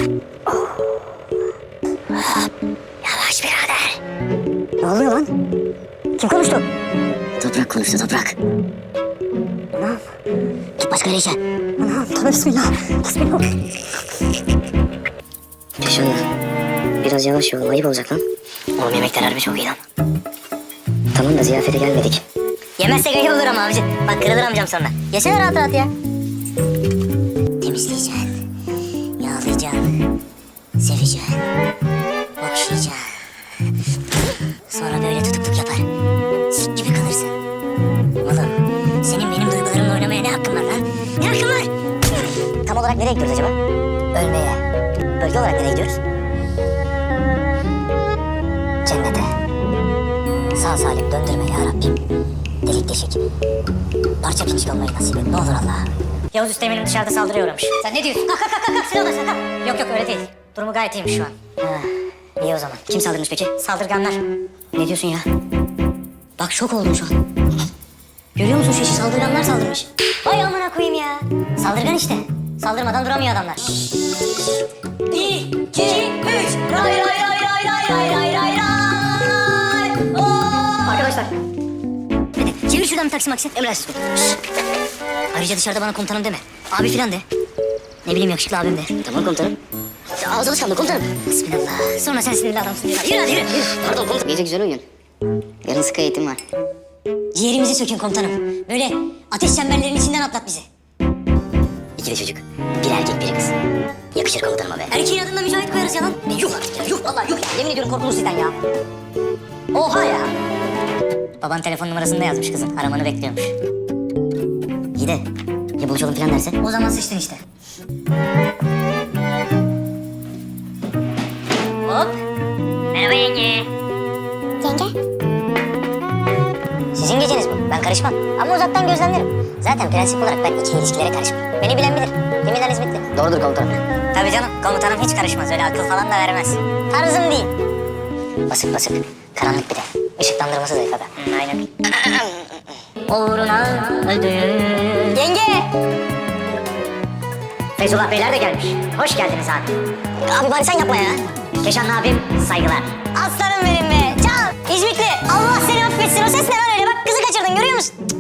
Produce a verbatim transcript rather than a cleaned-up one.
Yavaş birader. Ne oluyor lan? Kim konuştu? Toprak konuştu, toprak. Anam. Git başka yere işe. Anam, tövbe bismillah. Bismillah. Şunla. Biraz yavaş yol, ayıp olacak lan. Oğlum yemekler harbi çok iyi lan. Tamam da ziyafete gelmedik. Yemezsek ayıp olur ama abici. Bak kırılır amcam sonra. Yesene rahat rahat ya. Temizleyeceksin. Yağlayacaksın. Seveceksin. Okşayacaksın. Sonra böyle tutukluk yapar. Sik gibi kalırsın. Oğlum senin benim duygularımla oynamaya ne hakkın var lan? Ne hakkın var? Tam olarak nereye gidiyoruz acaba? Ölmeye. Bölge olarak nereye gidiyoruz? Cennete. Sağ salim döndürme ya Rabbim. Delik deşik. Parça pinçik olmayı nasip et. Ne olur Allah. Yavuz Üsteğmen'im dışarıda saldırıya uğramış. Sen ne diyorsun? Kalk kalk kalk kalk. Silah alırsan kalk. Yok yok öyle değil. Durumu gayet iyiymiş şu an. Ha, iyi o zaman. Kim saldırmış peki? Saldırganlar. Ne diyorsun ya? Bak şok oldum şu an. Görüyor musun şu işi? Saldırganlar saldırmış. Vay amına koyayım ya. Saldırgan işte. Saldırmadan duramıyor adamlar. Bir, iki, üç. Ray ray ray ray ray ray ray ray ray. Arkadaşlar. Hadi çevir şuradan bir taksi maksi. Emredersiniz. Ayrıca dışarıda bana komutanım deme. Abi filan de. Ne bileyim yakışıklı abim de. Tamam komutanım. Ağız alışkanlığı komutanım. Bismillah. Sonra sen sinirli adamsın diyorlar. Yürü hadi yürü. yürü. Pardon komutanım. Gece güzel uyuyun. Yarın sıkı eğitim var. Ciğerimizi sökün komutanım. Böyle ateş çemberlerinin içinden atlat bizi. İki de çocuk. Bir erkek bir kız. Yakışır komutanıma be. Erkeğin adında Mücahit koyarız ya lan. Ne yuh artık ya. Yuh vallahi yuh ya. Yemin ediyorum korkulur sizden ya. Oha ya. Baban telefon numarasını da yazmış kızın. Aramanı bekliyormuş. İyi de ya buluşalım falan derse? O zaman sıçtın işte. Hop. Merhaba yenge. Yenge? Sizin geceniz bu. Ben karışmam. Ama uzaktan gözlemlerim. Zaten prensip olarak ben ikili ilişkilere karışmam. Beni bilen bilir. Yeminler hizmetli. Doğrudur komutanım. Tabii canım. Komutanım hiç karışmaz. Öyle akıl falan da vermez. Tarzım değil. Basık basık. Karanlık bir de. Işıklandırması zayıf aga. Hı, aynen. Uğruna öldüm. Yenge! Feyzullah Beyler de gelmiş. Hoş geldiniz abi. Abi bari sen yapma ya. Keşan abim saygılar. Aslanım benim be. Can, İzmitli. Allah seni affetsin. O ses ne lan öyle? Bak kızı kaçırdın görüyor musun?